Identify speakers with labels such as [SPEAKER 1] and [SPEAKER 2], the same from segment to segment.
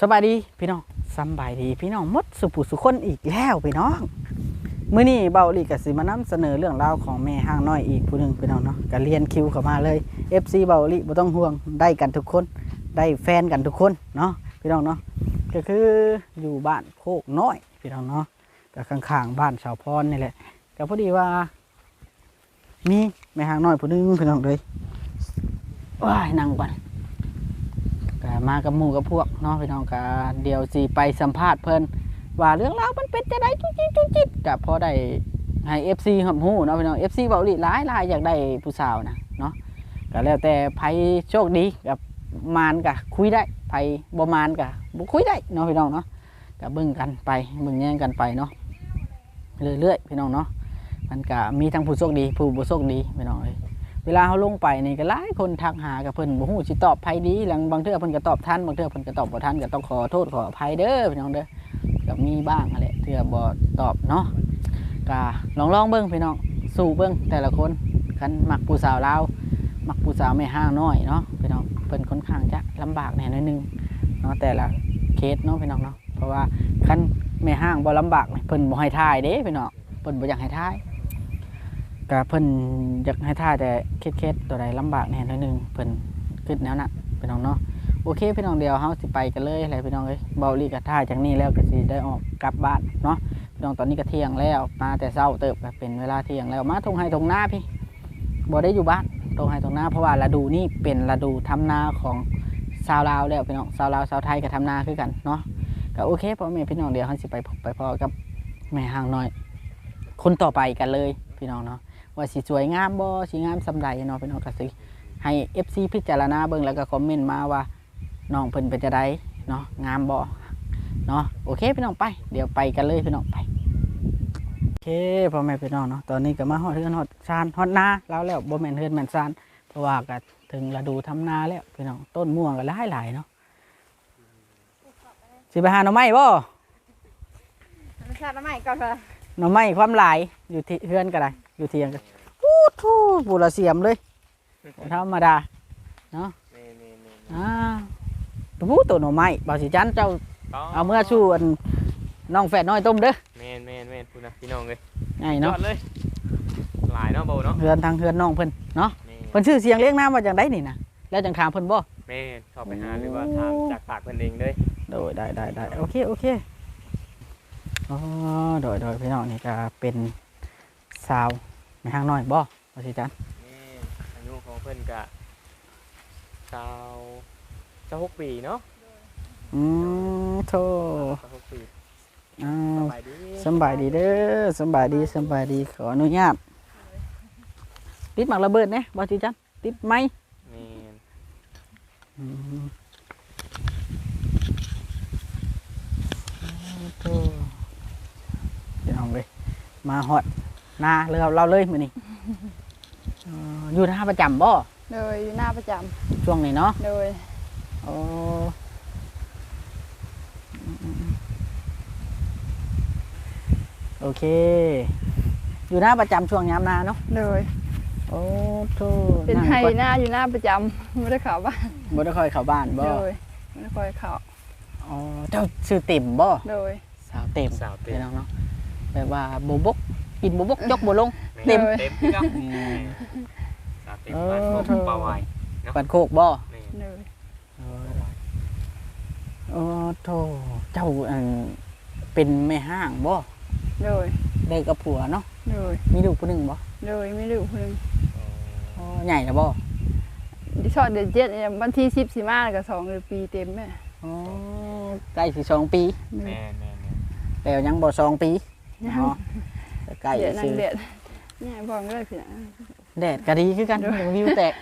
[SPEAKER 1] สบายดีพี่น้องสบายดีพี่น้องหมดสุผู้สุคนอีกแล้วพี่น้องมื้อนี้เบาหลีก็สิมานำเสนอเรื่องราวของแม่ห้างน้อยอีกผู้นึงพี่น้องเนาะก็เรียนคิวเข้ามาเลย FC เบาหลีบ่ต้องห่วงได้กันทุกคนได้แฟนกันทุกคนเนาะพี่น้องเนาะก็คืออยู่บ้านโคกน้อยพี่น้องเนาะก็ข้างๆบ้านชาวพรนี่แหละก็พอดีว่ามีแม่ห้างน้อยผู้นึงพี่น้องเลยว้ายนั่งก่อนก็มากับหมู่กับพวกเนาะพี่น้องก็เดี๋ยวสิไปสัมภาษณ์เพิ่นว่าเรื่องราวมันเป็นจะได้จุ๊จิก็พอได้ให้ FC รับรู้เนาะพี่น้อง FC เว้าอีหลายอยากได้ผู้สาวนะเนาะก็แล้วแต่ไผโชคดีกับมานก็คุยได้ไผบ่มานก็บ่คุยได้เนาะพี่น้องเนาะก็เบิ่งกันไปเบิ่งแย่งกันไปเนาะเรื่อยๆพี่น้องเนาะมันก็มีทั้งผู้โชคดีผู้บ่โชคดีพี่น้องเอ้ยเวลาเขาลงไปนี่ก็หลายคนทักหากับเพิ่นบ่ฮู้สิตอบไผดีหลังบางเทื่อเพิ่นก็ตอบทันบางเทื่อเพิ่นก็ตอบบ่ทันก็ต้องขอโทษขออภัยเด้อพี่น้องเด้อก็มีบ้างแหละเทื่อบ่ตอบเนาะก็ลองเบิ่งพี่น้องสู้เบิ่งแต่ละคนคันมักผู้สาวลาวมักผู้สาวแม่ห้างน้อยเนาะพี่น้องเพิ่นค่อนข้างจะลำบากแหน่หน่อยนึงเนาะแต่ละเคสเนาะพี่น้องเนาะเพราะว่าคันแม่ห้างบ่ลำบากเพิ่นบ่ให้ทายเด้พี่น้องเพิ่นบ่อยากให้ทายก็เพิ่นอยากให้ท่าแต่เคสตัวใดลำบากแน่นิดนึงเพิ่นคิดแนวนั้นพี่น้องเนาะโอเคพี่น้องเดียวเฮาสิไปกันเลยอะไรพี่น้องเอ้ยเบาลีก็ท่าจากนี้แล้วก็สิได้ออกกลับบ้านเนาะพี่น้องตอนนี้ก็เที่ยงแล้วมาแต่เช้าเติบก็เป็นเวลาเที่ยงแล้วมาทงไห้ทงนาพี่บ่ได้อยู่บ้านทงไห้ทงนาเพราะว่าฤดูนี้เป็นฤดูทำนาของชาวลาวแล้วพี่น้องชาวลาวชาวไทยก็ทำนาคือกันเนาะก็โอเคพ่อแม่พี่น้องเดียวเฮาสิไปพอกับแม่ห้างน้อยคนต่อไปกันเลยพี่น้องเนาะว่าสิสวยงามบ่สิงามสำใดเนาะพี่น้องก็สิให้ FC พิจารณาเบิ่งแล้วก็คอมเมนต์มาว่าน้องเพิ่นเป็นจะได้เนาะงามบ่เนาะโอเคพี่น้องไปเดี๋ยวไปกันเลยพี่น้องไปโอเคพ่อแม่พี่น้องเนาะตอนนี้ก็มาฮอดเฮือนฮอดซานฮอดนาแล้วบ่แม่นเฮือนแม่นซานเพราะว่าก็ถึงฤดูทำนาแล้วพี่น้องต้นม่วงก็หลายเนาะสิไปหาหน่อไม้บ่
[SPEAKER 2] ชาติใหม่ก่อนค่ะ
[SPEAKER 1] หน่อไม้ความหลายอยู่ที่เฮือนก็ได้อยู่เที่ยงกันทูปูละเสียมเลยธรรมดาเนาะตัวหน่อไม้บ่าวสิจันเจ้าเอาเมื่อชูอันน้องแฝดน้อยต้มเด้อ
[SPEAKER 3] แม่นพูดนะพี่น้องเลย
[SPEAKER 1] ไงเนาะ
[SPEAKER 3] เลยหลายเนาะโบเนาะ
[SPEAKER 1] เฮือนทางเฮือนน้องเพิ่นเนาะเพิ่นชื่อเสียงเลี้ยงน้ำว่าจังไดนี่นะแล้วจังถามเพิ่นบ่
[SPEAKER 3] แม่เข้าไปหาหรือว่าถามจากปากเพิ่นเองเลย
[SPEAKER 1] โดยได้โอเคอ๋อโดยพี่น้องนี่ก็เป็นสาวในห้างน้อยบ่ว่าสิจัน
[SPEAKER 3] อายุของเพิ่นกะ26 ปีเนาะ
[SPEAKER 1] โธ่
[SPEAKER 3] 26 ปี
[SPEAKER 1] สบายดีเด้อสบายดีขออนุญาตติดหมากระเบิดเนี่ยบ่สิจันติดไหมโธ่เดี๋ยวเอาเลยมาฮอดนาเราเลยมื้อนี้อยู่หน้าประจำบ่
[SPEAKER 2] เลยอยู่หน้าประจ
[SPEAKER 1] ำช่วงนี้เนาะ
[SPEAKER 2] เลย
[SPEAKER 1] โอ้โอเคอยู่หน้าประจำช่วงยามนาเนาะ
[SPEAKER 2] เลย
[SPEAKER 1] โอ้โธ่
[SPEAKER 2] เป็นไห้หน้าอยู่หน้าประจำไม่ได้เข้าบ้าน
[SPEAKER 1] บ่ได้ค่อยเข้าบ้านบ่
[SPEAKER 2] เลยไม่ได้ค่อยเข้า
[SPEAKER 1] อ๋อเจ้าชื่อติ่มบ่
[SPEAKER 2] เลย
[SPEAKER 1] สาวเต็มพี่น้องเนาะแบบว่าโบบกกินโบบกยกบ่ลงเต็ม
[SPEAKER 3] ก็เต็มบ้านเปล่าไว้
[SPEAKER 1] ปันโคกบ่
[SPEAKER 2] เลย
[SPEAKER 1] โอ้โธ่เจ้าเป็นแม่ห้างบ่
[SPEAKER 2] เลย
[SPEAKER 1] ได้กับผัวเนาะ
[SPEAKER 2] เลย
[SPEAKER 1] มีลูกผู้หนึ่งบ่
[SPEAKER 2] เลยมีลูกผู้หนึ่ง
[SPEAKER 1] ใหญ่แล้วบ่
[SPEAKER 2] ดิฉันเดือน7วันที่10 สิมาแล้วก็2 เดือนปีเต็มแม่
[SPEAKER 1] ใกล้สิ2 ปี
[SPEAKER 3] แม่
[SPEAKER 1] แต่ยังบ่2 ปีเนาะใกล้
[SPEAKER 2] สิแดดเนี่ยบ่ก็เลยพี่น่ะ
[SPEAKER 1] แดดก็ดีคือกันวิวแตก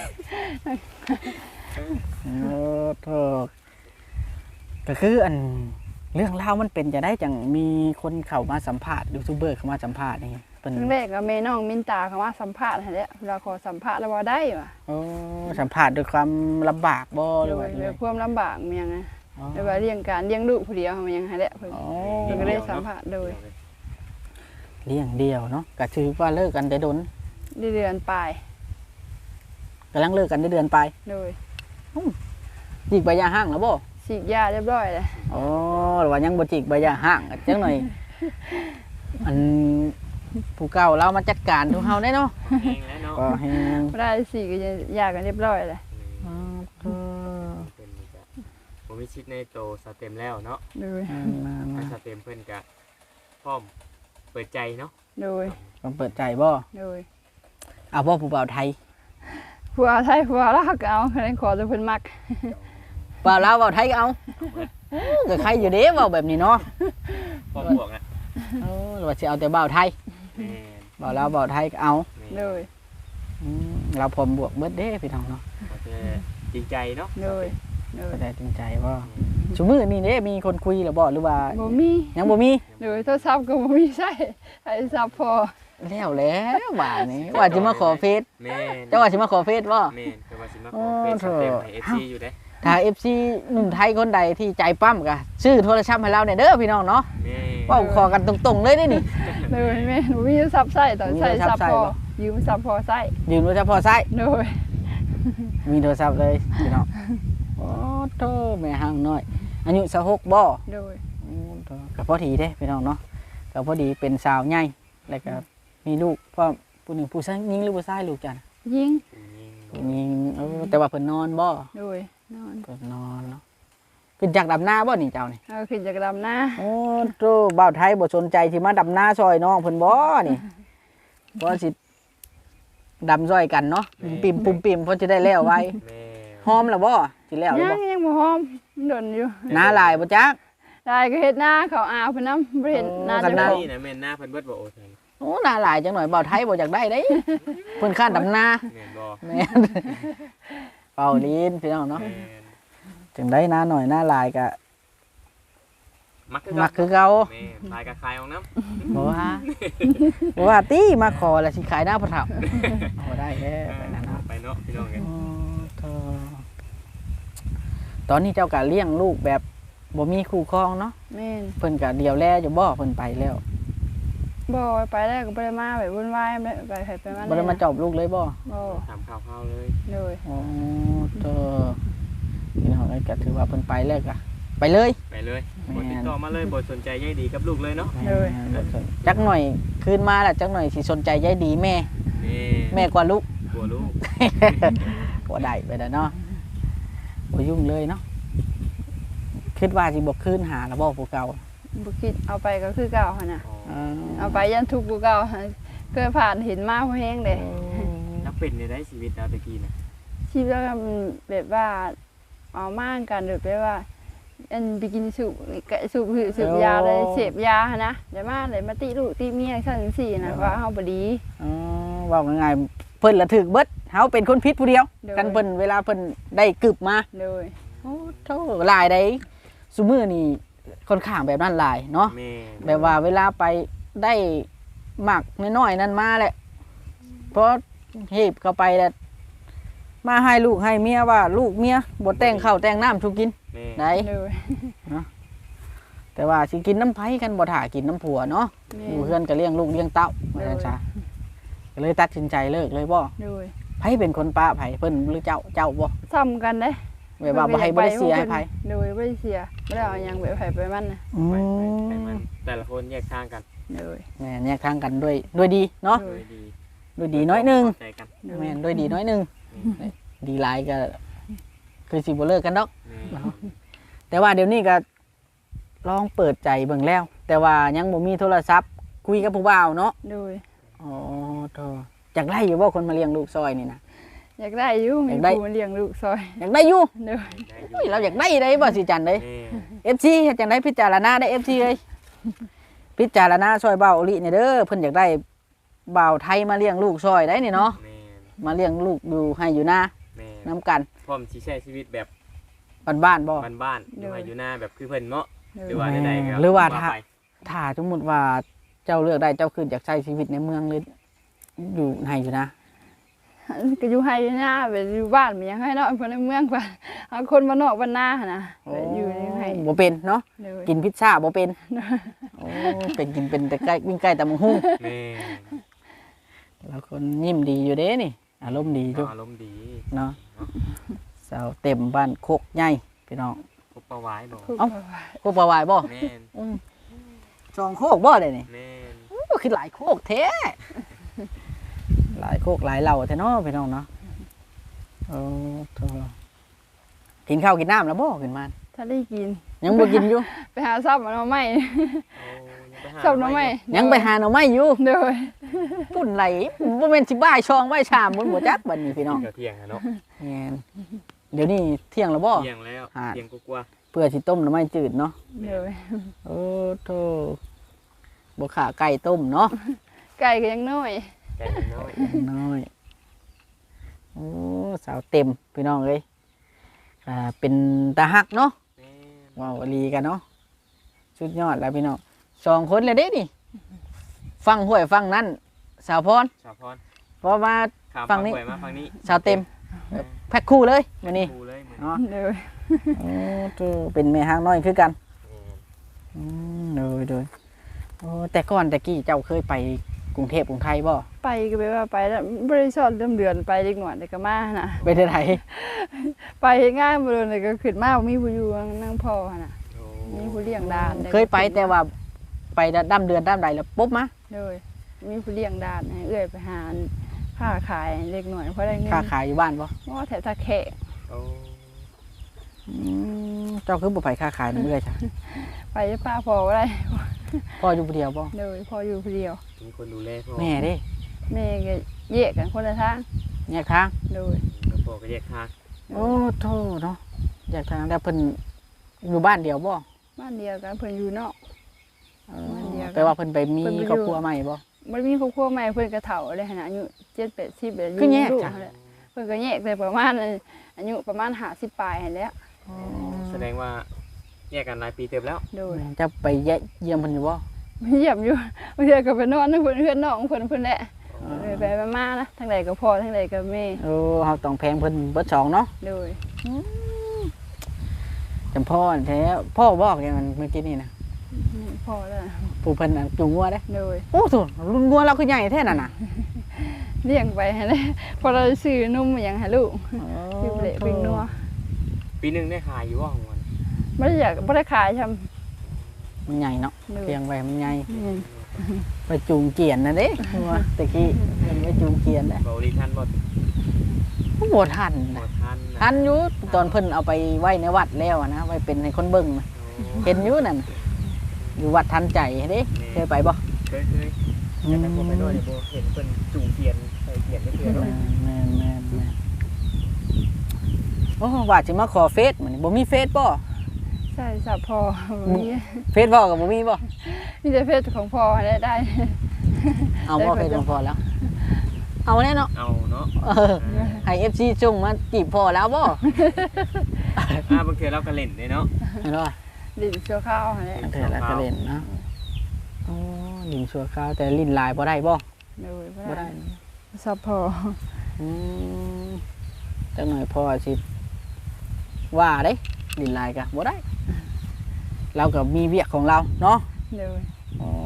[SPEAKER 1] โอ้โธ่ก็คืออันเรื่องเล่ามันเป็นจะได้จังมีคนเข้ามาสัมภาษณ์ยูทูบเบอร์เข้ามาสัมภาษณ์นี่
[SPEAKER 2] เป็นแรกก็แม่น้องมินตาเข้ามาสัมภาษณ์ให้แล้วเราขอสัมภาษณ์แล้วว่าได้ว่ะ
[SPEAKER 1] สัมภาษณ์ด้วยความลำบากบ่หรือว่า
[SPEAKER 2] ด้วยความลำบากมันยังไงแต่ว่าเลี้ยงการเลี้ยงลูกผู้เดียวมันยังให้แล้วเพิ่นก็ได้สัมภาษณ์โดย
[SPEAKER 1] เลี้ยงเดียวเนาะก็ถือว่าเลิกกันได้ดน
[SPEAKER 2] เดือนปลาย
[SPEAKER 1] กำลังเลิกกันได้เดือนปลาย
[SPEAKER 2] โดย
[SPEAKER 1] ยิกใบยาห้างแล้วบ่
[SPEAKER 2] 4 ฉีกยาเรียบร้อยเลย
[SPEAKER 1] โอ้หรือว่ายังบ่จิกใบยาห่างจังหน่อยอันผู้เก่าเรามาจัดการทุกเฮาได้เนาะ
[SPEAKER 3] เองแล้วเนาะ
[SPEAKER 1] ก็ให้
[SPEAKER 2] บ่ได้ฉีกยากันเรียบร้อยเลย
[SPEAKER 3] เป็นนี่ก็ผมมีชิดในโตสเต็มแล้วเนาะ
[SPEAKER 2] โดย
[SPEAKER 3] ถ้าสเต็มเพิ่นก็พร้อมเปิดใจเนาะ
[SPEAKER 2] โดย
[SPEAKER 1] ต้องเปิดใจบ่
[SPEAKER 2] โดย
[SPEAKER 1] เอาบ่ผู้บ่าวไทย
[SPEAKER 2] ผัวไทยผัวลาวก็เอาคะแนนขอแต่เพิ่นมัก
[SPEAKER 1] บ่าวลาวบ่าวไทยก็เอาก็ใครอยู่เด้เว้าแบบนี้เนาะ
[SPEAKER 3] พร้อมบวกนะ
[SPEAKER 1] หรือว่าสิเอาแต่บ่าวไทย
[SPEAKER 3] แม่น
[SPEAKER 1] บ่าวลาวบ่าวไทยก็เอา
[SPEAKER 3] แม่น
[SPEAKER 2] โดย
[SPEAKER 1] เราพร้อมบวกเบิดเด้พี่น้องเนาะ
[SPEAKER 3] ก็จะจริงใจเนาะ
[SPEAKER 2] โดยโดย
[SPEAKER 1] ก็ได้จริงใจบ่ซุมื้อนี้เด้มีคนคุยหรือบ่หรือว่า
[SPEAKER 2] บ่มี
[SPEAKER 1] ยังบ่มี
[SPEAKER 2] โดยโทรศัพท์ก็บ่มีใช้โทรศัพท์พอ
[SPEAKER 1] แล้วว่านี่ว่าสิมาขอเฟซ
[SPEAKER 3] แม่น
[SPEAKER 1] เจ้าว่าสิมาขอเฟซบ่
[SPEAKER 3] แม่นคือว่าสิมาขอเป็นสเต็มให้ FC อยู่เด้
[SPEAKER 1] ถ้า FC หนุ่มไทยคนใดที่ใจปั้มก็ซื้อโทรศัพท์ให้เราเนี่ยเด้อพี่น้องเนาะ
[SPEAKER 3] แม่น
[SPEAKER 1] เว้าขอกันตรงๆเลยเด้นี่
[SPEAKER 2] โดยแม่นบ่มีโทรศัพท์ใช้ต้องใช้
[SPEAKER 1] มีโทรศัพท์
[SPEAKER 2] ศัพท์พอ
[SPEAKER 1] ใช้บ่
[SPEAKER 2] ยืมศัพท์พอใช้
[SPEAKER 1] ยืมโทรศัพท์พอใช้
[SPEAKER 2] โดย
[SPEAKER 1] มีโทรศัพท์เลยพี่น้องโอ้โตแม่ห้างน้อยอายุ26บ่
[SPEAKER 2] โดย
[SPEAKER 1] ก็พอดีเด้พี่น้องเนาะก็พอดีเป็นสาวใหญ่แล้วก็มีลูกพ่อผู้หนึ่งผู้ชายยิงหรือผู้ชายลูกจ้ะน่ะ
[SPEAKER 2] ยิง
[SPEAKER 1] ยิงแต่ว่าเพิ่นนอนบ่
[SPEAKER 2] โดยนอน
[SPEAKER 1] เพิ่นนอนเนาะขึ้นจากดำนาบ่นี่เจ้านี่
[SPEAKER 2] เอาขึ้นจากดำนา
[SPEAKER 1] โอ้โตบ่าวไทยบ่สนใจสิมาดำนาซอยน้องเพิ่นบ่นี่บ่สิดำซอยกันเนาะปิ่มปุ่มปิ่มเพิ่นจะได้แล้วไว
[SPEAKER 3] แม่
[SPEAKER 1] หอมแล้วบ่สิแล้วหรือ
[SPEAKER 2] ยั
[SPEAKER 1] บ่
[SPEAKER 2] งยังบ่หอมดนอยู่
[SPEAKER 1] นาหลายบ่จัก
[SPEAKER 2] ได้ก็เฮ็ดนาเขาอาวเพิ่นนำบ่เห็นนา
[SPEAKER 1] กั
[SPEAKER 2] จะ
[SPEAKER 1] นนา
[SPEAKER 2] บ่
[SPEAKER 3] นี่นะแม่นหน้าเพิ่นเบิดบ่โอ้ย
[SPEAKER 1] โอ้นาหลายจังหน่อยบ่าวไทยบ่อยากได้เด้เพิ่นค้านดำนา
[SPEAKER 3] แม่นบ่
[SPEAKER 1] แม่นเป่าลีนพี่น้องเนาะ
[SPEAKER 3] แม่น
[SPEAKER 1] จังได้นาหน่อยนาหลายก็
[SPEAKER 3] มักคือ
[SPEAKER 1] มักคือเก่า
[SPEAKER 3] แม่นลายกระคายออกน้ำ
[SPEAKER 1] บ่ว่าบ่ว่าติมาขอแล้วสิขายหน้าพระเฒ่าบ่ได้แท้ไปนั่นเนาะ
[SPEAKER 3] ไปเนาะพี่น้องกัน
[SPEAKER 1] อ๋อโธ่ตอนนี้เจ้าก็เลี้ยงลูกแบบบ่มีคู่ครองเนาะ
[SPEAKER 2] แม่น
[SPEAKER 1] เพิ่นก็เดียวแลอยู่บ่เพิ่นไปแล้ว
[SPEAKER 2] บ่ไปแล้วก็บ่ได้มาแบบวุ่นวายไปไผไปมา
[SPEAKER 1] บ่ได้มาจอบลูกเลยบ่
[SPEAKER 2] บ่
[SPEAKER 3] ถามข่าวๆเลย
[SPEAKER 2] โดย
[SPEAKER 1] อ๋อโธ่พี่น้องเอ้ยก็ถือว่าเพิ่นไปแล้วก็ไปเลย
[SPEAKER 3] ไปเลย
[SPEAKER 1] แม่
[SPEAKER 3] บ่
[SPEAKER 1] น
[SPEAKER 3] ติดต่อมาเลยบ่สนใจใยดีกับลูกเลยเนาะ
[SPEAKER 1] จักหน่อยคืนมาแล้วจักหน่อยสิสนใจยายดีแม่ แม่กว่าลูก
[SPEAKER 3] กลัวลูก
[SPEAKER 1] บ่ได้ไปแล้วเนาะบ่ยุ่งเลยเนาะคิดว่าสิบ่คืนหาแล้วบ่ผู้เก่า
[SPEAKER 2] บ่คิดเอาไปก็คือเก่าหั่นน่ะ
[SPEAKER 3] อ๋อ
[SPEAKER 2] เอาไปยันทุกข์กูเก่าหั่นเคยผ่านเห็นมาพอแห้งเด้
[SPEAKER 3] นักเป็นในได้ชีวิตเราตะกี้นะ
[SPEAKER 2] ชีวิตเรามันแบบว่าเอามากกันแบบว่าอันไปกินสูบยาเลยเสพยาหั่นนะเดี๋ยวมาติลูกติเมียซั่นจังซี่นะว่าเฮาบ่ดี
[SPEAKER 1] อ๋อเว้าง่ายๆเพิ่นละถึกเบิดเฮาเป็นคนผิดผู้เดียว
[SPEAKER 2] โดย
[SPEAKER 1] กันเพิ่นเวลาเพิ่นได้กึบมา
[SPEAKER 2] โดย
[SPEAKER 1] โอ้โธ่หลายได้ซุมื้อนี่ค่อนข้างแบบนั้นหลายเนาะ
[SPEAKER 3] แม่
[SPEAKER 1] แบบว่าเวลาไปได้หมักน้อยๆนั่นมาแหละเพราะเห็บเข้าไปแล้วมาให้ลูกให้เมียว่าลูกเมียบ่แต่งข้าวแต่งน้ำทุกกิน
[SPEAKER 3] แม่
[SPEAKER 1] ได้
[SPEAKER 2] โดย
[SPEAKER 1] แต่ว่าสิกินน้ำไผกันบ่ถ่ากินน้ำผัวเนาะ
[SPEAKER 2] แม่
[SPEAKER 1] อยู่เพื่อนก็เลี้ยงลูกเลี้ยงเต้าว่าซั่นซะก็เลยตัดสินใจเลิกเลยบ่
[SPEAKER 2] โดย
[SPEAKER 1] ไผเป็นคนป้าไผเพิ่นหรือเจ้าบ่
[SPEAKER 2] ซ้ำกันเด้
[SPEAKER 1] แบบว่าบ่ให้บ่ได้เสียให้ไผ
[SPEAKER 2] โดยบ่ได้เสียบ่ได้เอาหยังแบบไผไปมันน่ะ
[SPEAKER 3] ไปมันแต่ละคนแยกทางกัน
[SPEAKER 2] โดย
[SPEAKER 1] แม่นแยกทางกันด้วยดีเนาะ
[SPEAKER 2] โด
[SPEAKER 3] โด
[SPEAKER 2] ย
[SPEAKER 3] ยดี
[SPEAKER 1] ด้วยดีน้อยหนึง
[SPEAKER 3] เข้าใจกัน
[SPEAKER 2] โดย
[SPEAKER 1] แม่นด้วยดีน้อยหนึงดีหลายก็คือสิบ่เลิกกันดอก
[SPEAKER 3] แม่
[SPEAKER 1] แต่ว่าเดี๋ยวนี้ก็ลองเปิดใจเบิ่งแล้ว แต่ว่ายังบ่มีโทรศัพท์คุยกับผู้บ่าวเนาะ
[SPEAKER 2] โดย
[SPEAKER 1] อ๋อโธ่อยากได้อยู่บ่คนมาเลี้ยงลูกซอยนี่นะ
[SPEAKER 2] อยากได้อยู่มี
[SPEAKER 1] อยากได้
[SPEAKER 2] ผู้มาเลี้ยงลูกซอย
[SPEAKER 1] อยากได้อยู่
[SPEAKER 2] โดย
[SPEAKER 3] ได้อ
[SPEAKER 1] โอ้ยเราอยากได้ได้บ่สิจันเด้
[SPEAKER 3] แม่
[SPEAKER 1] FC เฮ็ดจังได๋พิจารณาได้ FC เอ้ยพิจารณาซอยเบาอลินี่เด้อเพิ่นอยากได้บ่าวไทยมาเลี้ยงลูกซอยได้นี่เนาะ
[SPEAKER 3] แม่
[SPEAKER 1] มาเลี้ยงลูกอยู่ให้อยู่นา
[SPEAKER 3] แม่
[SPEAKER 1] นํกัน
[SPEAKER 3] พร้อมสิใช้ชีวิตแบบ
[SPEAKER 1] บ้านๆบ่
[SPEAKER 3] บ้านๆอยู่ให้อยู่หน้าแบบคือเพิ่นเนาะ
[SPEAKER 2] โด
[SPEAKER 3] หรือย ว่าใดๆก็
[SPEAKER 1] หรือว่า
[SPEAKER 3] ไป
[SPEAKER 1] ถ้าสมมุติว่าเจ้าเลือกได้เจ้าคืออยากใช้ชีวิตในเมืองหรืออยู่ให้อยู่นะ
[SPEAKER 2] ก็อยู่ให้อยู่หน้าไปอยู่บ้านมันยังให้เนาะเพิ่นในเมืองกว่าเอาคนบ้านนอกบ้านนาหั่นน่ะไปอยู่ยังให้
[SPEAKER 1] บ่เป็นเนาะ
[SPEAKER 2] โดย
[SPEAKER 1] กินพิซซ่าบ่เป็นโอ้เป็นกินเป็นแต่ใกล้วิ่งใกล้แต่มังหุ่ง
[SPEAKER 3] แม่
[SPEAKER 1] แล้วคนยิ้มดีอยู่เด้นี่อารมณ์ดีอยู่
[SPEAKER 3] อารมณ์ดี
[SPEAKER 1] เนาะสาวเต็มบ้านโคกใหญ่พี่น้อง
[SPEAKER 3] ครบปลาหวายบ่
[SPEAKER 2] ผูก
[SPEAKER 1] เอ้า
[SPEAKER 2] ปลาหวาย
[SPEAKER 1] โคกปลาวายบ่
[SPEAKER 3] แม่น
[SPEAKER 1] จองโคกบ่ได้นี่
[SPEAKER 3] แม่น
[SPEAKER 1] โอ้คือหลายโคกแท้หลายโคกหลายเหล่าแท้เนาะพี่น้องเนาะโอ้โธ่กินข้าวกินน้ำแล้วบ่ขึ้นมา
[SPEAKER 2] ถ้าได้กิน
[SPEAKER 1] ยังบ่กินอยู่
[SPEAKER 2] ไปหาซับมันเอาไม่
[SPEAKER 3] โอ้ยังไปหา
[SPEAKER 2] ซับน้ำไม่
[SPEAKER 1] ยังไปหาหน่อไม้อยู่
[SPEAKER 2] โดย
[SPEAKER 1] ปุ่นไหลบ่แม่นสิบ่ายช่องบ่ายชามบนบ่จักบัดนี้พี่น้อง
[SPEAKER 3] เดี๋ยวเที่ยงอะเนาะ
[SPEAKER 1] แม่นเดี๋ยวนี้เที่ยงแล้วบ่
[SPEAKER 3] เที่ยงแล้ว
[SPEAKER 1] อ่า
[SPEAKER 3] เที่ยงกว่า
[SPEAKER 1] เพื่อสิต้มหน่อไม้จืดเนาะ
[SPEAKER 2] โดย
[SPEAKER 1] โอ้โธ่บ่ขาไก่ต้มเนาะ
[SPEAKER 2] ไก่ก็ยังน้อย
[SPEAKER 3] ๆไก่น้อย
[SPEAKER 1] น้อยโอ้สาวเต็มพี่น้องเอ้ยเป็นตาฮักเนาะ
[SPEAKER 3] แม่น
[SPEAKER 1] ว้าวอลีกันเนาะสุดยอดแล้วพี่น้อง2 คนเลยเด้นี่ฟังห้วยฟังนั่นสาวพร
[SPEAKER 3] ชาวพร
[SPEAKER 1] เพราะว่า
[SPEAKER 3] ข้าม
[SPEAKER 1] ฝั่งนี้
[SPEAKER 3] หวยมาฝั่งนี้
[SPEAKER 1] สาวเต็มแพ็คคู่เลยมื้อนี้
[SPEAKER 3] ดูเลยเหมือน
[SPEAKER 1] เนาะ
[SPEAKER 2] โดย
[SPEAKER 1] โอ้โธ่เป็นแม่ฮักน้อยคือกัน
[SPEAKER 3] แม่น
[SPEAKER 1] โดยโอ้แต่ก่อนแต่กี้เจ้าเคยไปกรุงเทพกรุงไทยบ่
[SPEAKER 2] ไปก็ไปว่าไปแล้วบริษัทเริ่มเดือนไปเด็กหน่อยเด็กก็มาน่ะ
[SPEAKER 1] ไปได้ไหน
[SPEAKER 2] ไปเฮ็ดงานบ่โดนเลยก็ขึ้นมาบ่มีผู้อยู่นั่งพ่อน่ะ
[SPEAKER 3] โอ้
[SPEAKER 2] มีผู้เลี้ยงด้าน
[SPEAKER 1] เคยไปแต่ว่าไปดำเดือนดำใดแล้วปุ๊บมา
[SPEAKER 2] โดยมีผู้เลี้ยงด้านให้เอื้อยไปหาค้าขายเล็กหน่อยเพราะได้เงิน
[SPEAKER 1] ค้าขายอยู่บ้านบ่
[SPEAKER 2] ว่าแถวตะแขก
[SPEAKER 3] โอ้
[SPEAKER 1] เจ้าคือบ่ไปค้าขายนำเอื้อยจ้ะ
[SPEAKER 2] ไปป้าพอบ่ได้
[SPEAKER 1] พ่ออยู่ผู้เดียวบ่
[SPEAKER 2] โดยพออยู่ผู้เดียว
[SPEAKER 3] มีคนดูแลพ่อ
[SPEAKER 1] แม่เด้
[SPEAKER 2] แม่ก็แยกกันคนละทาง
[SPEAKER 1] แยกทาง
[SPEAKER 2] โดย
[SPEAKER 3] แล้วพ่อก็แยกทาง
[SPEAKER 1] โอ้โธ่เนาะแยกทางแล้วเพิ่นอยู่บ้านเดียวบ่
[SPEAKER 2] บ้านเดียวกันเพิ่นอยู่นอก บ้านเดียวกัน
[SPEAKER 1] แต่ว่าเพิ่นไปมี
[SPEAKER 2] เพิ่นไปอยู่
[SPEAKER 1] ครอบครัวใหม่บ่
[SPEAKER 2] มันมีครอบครัวใหม่เพิ่นก็เฒ่าเลยหั่นน่ะอายุ7-80แบบ
[SPEAKER 1] คือแยก
[SPEAKER 2] ลูก
[SPEAKER 1] จ้ะ
[SPEAKER 2] นั่นแหละเพิ่นก็แยกแต่ประมาณอายุประมาณ50ปลายหั่นแหล้ว
[SPEAKER 3] แสดงว่าแยกกันหลายปีเติบแล้ว
[SPEAKER 2] โดย
[SPEAKER 1] จะไปเยี่ยมเพิ่นอยู่บ่
[SPEAKER 2] เยี่ยมอยู่บางเทื่อก็ไปนอนกับเพื่อนน้องเพิ่นแหละเลยไปมาๆนะทั้งใดก็พ่อทั้งใดก็แม่
[SPEAKER 1] เออเฮาต้องแพงเพิ่นเบิดสองเนาะ
[SPEAKER 2] โดย
[SPEAKER 1] จำพ่อแท้พ่อบอกอย่างนั้นเมื่อกี้นี่นะ
[SPEAKER 2] พ่อแล้ว
[SPEAKER 1] ผู้เพิ่นน่ะจูงงัวเด้
[SPEAKER 2] โดย
[SPEAKER 1] โอ้โธ่รุ่นงัวเราคือใหญ่แท้นั่นน่ะ
[SPEAKER 2] เลี้ยงไปให้เลยพอเราซื้อนมมาหยังให้ลูกซื้อเปลกเป็นนัว
[SPEAKER 3] ปีหนึงได้ขายอยู่ว่าของมัน
[SPEAKER 2] บ่ได้อยากบ่ได้ขายทำ
[SPEAKER 1] มันใหญ่เนาะ
[SPEAKER 2] โดย
[SPEAKER 1] เพียงไว้มันใหญ่ไปจูงเกียนนะเด้งัวตะกี้เพิ่นไปจูงเกียนเด้
[SPEAKER 3] เบาลีทันบ่
[SPEAKER 1] บ่ทัน
[SPEAKER 3] บ่
[SPEAKER 1] นะ
[SPEAKER 3] ทันนะ
[SPEAKER 1] ทันอยู่ตอนเพิ่นเอาไปไว้ในวัดแล้วอะนะไว้เป็นให้คนเบิ่งนะ
[SPEAKER 3] โอ้
[SPEAKER 1] เห็นอยู่นั่นน่ะอยู่วัดทันใจเด้เคยไปบ่
[SPEAKER 3] เคยแต่ผมไปด้วยเนี่ยบ่เห็นเพิ่นจูงเทียนใส่เทียนได้เทื่อเนาะ
[SPEAKER 1] แม่นโอ้ว่าสิมาขอเฟซมื้อนี้บ่มีเฟซบ่
[SPEAKER 2] ใช่สับพอมี
[SPEAKER 1] เฟซบ่ก็บ่มีบ่
[SPEAKER 2] มีแต่เพศของพ่อได้
[SPEAKER 1] เอาบ่เฟซของพ่อแล้ว เอาแน่เนาะ
[SPEAKER 3] เอาเนาะ
[SPEAKER 1] เออให้ FC จุงมาจีบพ่อแล้วบ่
[SPEAKER 3] บางเทื่อเราก็เล่นได้เนาะ
[SPEAKER 1] เห็นบ่
[SPEAKER 2] ดินชั่วข้าวหั่นแหละ
[SPEAKER 1] เถื่อแล้วก็เล่นเนาะอ๋อลินชั่วคราวแต่ลิ้นลายบ่ได้บ่
[SPEAKER 2] โดยบ่
[SPEAKER 1] บ่
[SPEAKER 2] ได้
[SPEAKER 1] ได้
[SPEAKER 2] สับพอ
[SPEAKER 1] อืมจังหน่อยพ่อสิว่าเด้ลิ้นลายก็บ่ได้ เราก็มีเวียกของเราเนาะ
[SPEAKER 2] โดย
[SPEAKER 1] อ๋อ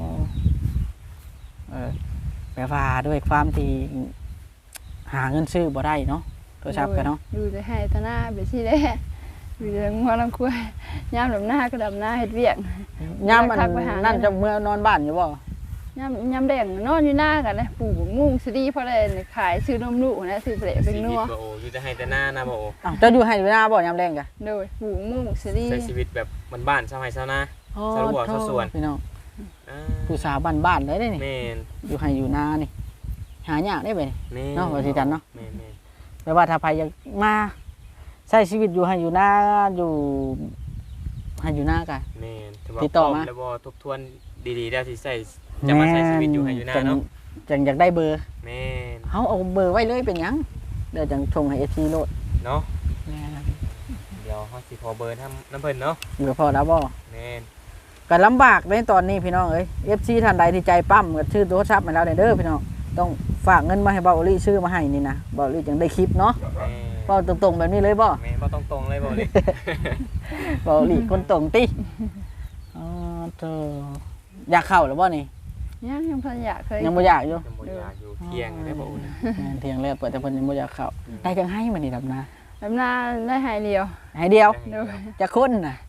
[SPEAKER 1] แปลว่าด้วยความที่หาเงินซื้อบ่ได้เนาะโทรศัพท์กันเนาะ
[SPEAKER 2] อยู่แต่ให้ตาหน้าไปสิแหละอยู่แต่งัวลำคุยยามดำหน้าก็ดำหน้าเฮ็ดเวียก
[SPEAKER 1] ยามมัน
[SPEAKER 2] ทักไปหา
[SPEAKER 1] นั่นจะเมื่อนอนบ้านอยู่บ่
[SPEAKER 2] ยามแดงนอนอยู่หน้ากันนะปลูกมุ้งสดีเพราะอะไรขายซื้อนมลูกนะซื้อเปลเป็นนัว
[SPEAKER 3] ชีวิตบ่โอ้อยู่แต่ให้แต่หน้านะบ่โอ้
[SPEAKER 1] อ้าวเจะอยู่ให้อยู่หน้าบ่ยามแรงกะ
[SPEAKER 2] โดยปลูกมุ้งสดี
[SPEAKER 3] ใช้ชีวิตแบบบ้านๆชาวไร่ชาวนา สรุปว่าเขาสวน
[SPEAKER 1] พี่น้อง
[SPEAKER 3] อ่า
[SPEAKER 1] ผู้สาวบ้านๆเลยเด้นี่
[SPEAKER 3] แม่น
[SPEAKER 1] อยู่ให้อยู่นานี่หายากได้ไป
[SPEAKER 3] แม่น
[SPEAKER 1] เนาะว่าสิจันเนาะ
[SPEAKER 3] แม่น
[SPEAKER 1] แปลว่าถ้าใครอยากมาใช้ชีวิตอยู่ให้อยู่นาอยู่ให้อยู่นากะ
[SPEAKER 3] แม่นถือว่า
[SPEAKER 1] ติดต่อมา
[SPEAKER 3] พร้แล้วบ่ทบทวนดีๆแล้วสิใช้จะมาใช้ชีวิตอยู่ให้อยู่หน้าเนาะ
[SPEAKER 1] จังอยากได้เบอร์
[SPEAKER 3] แม่น
[SPEAKER 1] เฮาเอาเบอร์ไว้เลยเป็นหยังเดี๋ยวจังชงให้ FC โลด
[SPEAKER 3] เนาะเดี๋ยวเฮาสิขอเบอร์น้ำเพิ่นเนาะ
[SPEAKER 1] อยู่กับพ่อแล้วบ่
[SPEAKER 3] แม่น
[SPEAKER 1] ก็ลำบากในตอนนี้พี่น้องเอ้ย FC ท่านใดที่ใจปั้มก็ชื่อโทรศัพท์มาแล้วเด้อพี่น้องต้องฝากเงินมาให้เบาอลี่ชื่อมาให้นี่นะเบาอลี่จังได้คลิปเนาะ
[SPEAKER 3] แม่
[SPEAKER 1] เบาตรงๆแบบนี้เลยบ่
[SPEAKER 3] แม่บ่ต้องตรงเลยบ่เลย
[SPEAKER 1] เบาอลี่คนตรงติอ๋อเธออยากเข้าหรือบ่นี่
[SPEAKER 2] ยังพันอยากเคย
[SPEAKER 1] ยังบ่อยากอยู่
[SPEAKER 3] ยังบ่อยากอยู่เที่ยงได้บ่อุ่น
[SPEAKER 1] แม่นเที่ยงแล้วเปิดแต่เพิ่นยังบ่อยากเข้าได้จังให้มันนี่ดำนา
[SPEAKER 2] ดำหน้าได้หายเดียว
[SPEAKER 1] ให้เดียว
[SPEAKER 2] โดย
[SPEAKER 1] จะคนน่ะ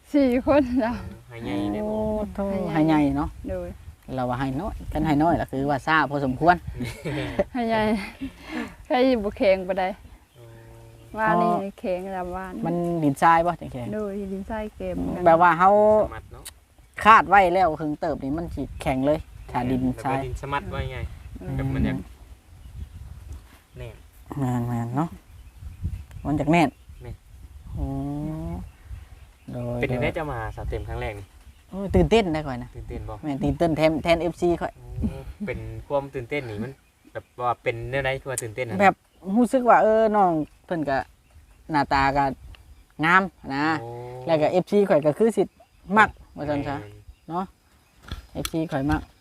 [SPEAKER 2] 4คนแล้ว
[SPEAKER 3] ให้ใหญ่ได้
[SPEAKER 1] โอ้
[SPEAKER 3] บ่
[SPEAKER 1] โธ่ให้ใหญ่เนาะ
[SPEAKER 2] โดย
[SPEAKER 1] เราว่าให้น้อยกันให้น้อยล่ะคือว่าซ่าพอสมควร
[SPEAKER 2] ให้ใหญ่ให้บ่แข็งปานใดว่านี่แข็งแล้วว่า
[SPEAKER 1] มั
[SPEAKER 2] มัน
[SPEAKER 1] ดินทรายบ่จังซี่
[SPEAKER 2] โดยดินทรายเกมกัน
[SPEAKER 1] แบบว่าเฮา
[SPEAKER 3] สมัดเนาะ
[SPEAKER 1] คาดไว้แล้วถึงเติบนี่มันสิแข็งเลยถ้าดินทราย
[SPEAKER 3] ดินสมัดไว้ไงแบบมันอยากแน่
[SPEAKER 1] แม่นๆเนาะมันจากแน่น
[SPEAKER 3] แม่น
[SPEAKER 1] โอ้โดย
[SPEAKER 3] เป็นได้จะมาสาวเต็มครั้งแรกนี่
[SPEAKER 1] โอ้ยตื่นเต้นได้ก่อนนะ
[SPEAKER 3] ตื่นเต้นบ่
[SPEAKER 1] แม่นตื่นเต้นแทน FC ค่อย
[SPEAKER 3] เป็นความตื่นเต้นนี่มันแบบว่าเป็นเรื่องใดคือว่าตื่นเต้นนะ
[SPEAKER 1] แบบรู้สึกว่าน้องเพิ่นก็หน้าตาก็งามนะ
[SPEAKER 3] โอ้
[SPEAKER 1] แล้วก็ FC ข่อยก็คือสิมักว่าซั่นซะ FC ข่อยมัก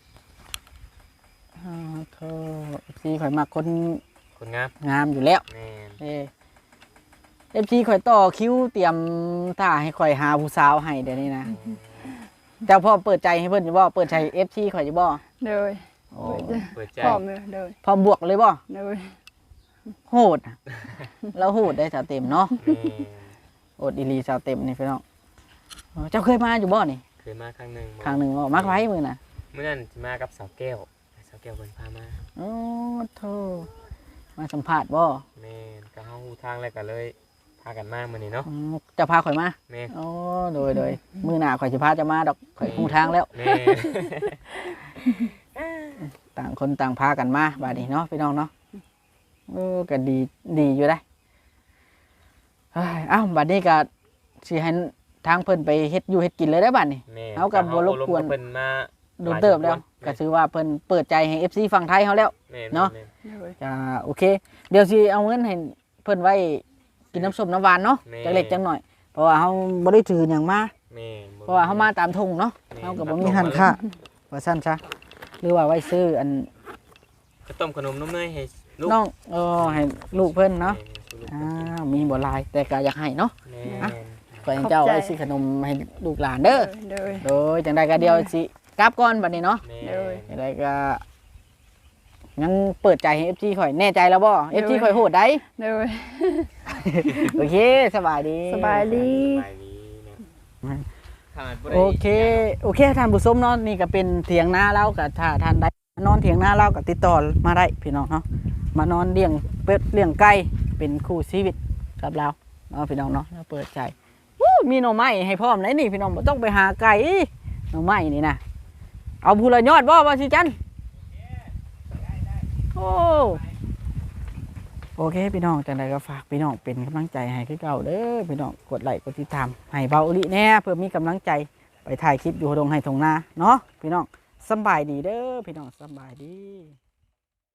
[SPEAKER 1] โธ่ FC ข่อยมักคน
[SPEAKER 3] คนงาม
[SPEAKER 1] งามอยู่แล้ว
[SPEAKER 3] แม่น
[SPEAKER 1] FC ข่อยต่อคิวเตรียมท่าให้ข่อยหาผู้สาวให้เดี๋ยวนี้นะแต่พอเปิดใจให้เพิ่นอยู่บ่เปิดใจ FC ข่อยอยู่บ่
[SPEAKER 2] โดย
[SPEAKER 1] โอ้
[SPEAKER 3] เปิดใจ
[SPEAKER 2] พร้อมเลยโดย
[SPEAKER 1] พร้อมบวกเลยบ่
[SPEAKER 2] โดย
[SPEAKER 1] โหดอะเราโหดได้สาวเต็มเนาะ
[SPEAKER 3] แม่น
[SPEAKER 1] โอดอีหลีสาวเต็มนี่พี่น้องเจ้าเคยมาอยู่บ่นี่
[SPEAKER 3] เคยมาครั้งหนึ่ง
[SPEAKER 1] ครั้งหนึ่งบ่มักไว้มือน่ะ
[SPEAKER 3] เมื่อนั้นสิมากับสาวแก้วสาวแก้วเพิ่นพามา
[SPEAKER 1] โอ้โธ่มาสัมภาษณ์บ่
[SPEAKER 3] แม่นก็เฮาฮู้ทางแล้วก็เลยพากันมามื้อนี้เนาะ
[SPEAKER 1] เจะพาข่อยมา
[SPEAKER 3] แม่น
[SPEAKER 1] โอ้โดยมือหน้าข่อยสิพาจะมาดอกข่อยคงทางแล้ว
[SPEAKER 3] แม่น
[SPEAKER 1] ต่างคนต่างพากันมาบาดนี้เนาะพี่น้องเนาะก็ดีอยู่ได้เฮ้ยเอ้าบัดนี้ก็สิให้ทางเพิ่นไปเฮ็ดอยู่เฮ็ดกินเลยได้อบัดนี้
[SPEAKER 3] แม่น
[SPEAKER 1] เอากับบ่รบกวน
[SPEAKER 3] เพิ่นมา
[SPEAKER 1] โดนเติบแล้วก็ถือว่าเพิ่นเปิดใจให้ FC ฝั่งไทยเฮาแล้ว
[SPEAKER 3] แม่
[SPEAKER 1] เนาะ
[SPEAKER 3] แม่
[SPEAKER 2] โดย
[SPEAKER 1] จะโอเค เดี๋ยวสิเอาเงินให้เพิ่นไว้กินน้ำส้มน้ำหวานเนาะจักเล็กจังหน่อย เพราะว่าเฮาบ่ได้ถือหยังมา
[SPEAKER 3] แม่น
[SPEAKER 1] เพราะว่าเฮามาตามทุ่งเนาะ
[SPEAKER 3] แม่
[SPEAKER 1] เฮาก็บ่มีหันค่าว่าซั่นซะหรือว่าไว้ซื้ออัน
[SPEAKER 3] ก็ต้มขนมนมเนยให้ลูก
[SPEAKER 1] น้องให้ลูกเพิ่นเนาะ
[SPEAKER 3] แม่
[SPEAKER 1] มีบ่หลายแต่ก็อยากให้เนาะ
[SPEAKER 3] แม่
[SPEAKER 1] ก็ให้เจ้าไว้ซื้อขนมให้ลูกหลานเด้อ
[SPEAKER 2] โดย
[SPEAKER 1] โดยจังใดก็เดี๋ยวสิกลับก่อนบัดนี้เนาะ
[SPEAKER 3] แม่
[SPEAKER 1] จังใดก็ยังเปิดใจให้ FC ข่อยแน่ใจแล้วบ่ FC ข่อยโหดได้
[SPEAKER 2] โดย
[SPEAKER 1] โอเคสบายดี
[SPEAKER 2] สบายดี
[SPEAKER 3] สบายดีนะขาดบ่ได้
[SPEAKER 1] โอเคท่านผู้ชมเนาะนี่ก็เป็นเถียงนาเราก็ถ้าท่านใดนอนเถียงนาเราก็ติดต่อมาได้พี่น้องเนาะมานอนเลี้ยงเป็ดเลี้ยงไก่เป็นคู่ชีวิตกับเราเนาะพี่น้องเนาะเราเปิดใจวู้มีหน่อไม้ให้พร้อมเลยนี่พี่น้องบ่ต้องไปหาไก่หน่อไม้นี่นะเอาผู้ละยอดบ่สิจันโอ้โอเคพี่น้องจังใดก็ฝากพี่น้องเป็นกำลังใจให้คือเก่าเด้อพี่น้องกดไลค์กดติดตามให้เบาอุลิแน่เพื่อมีกำลังใจไปถ่ายคลิปอยู่ตรงให้ตรงนาเนาะพี่น้องสำบายดีเด้อพี่น้องสำบายดี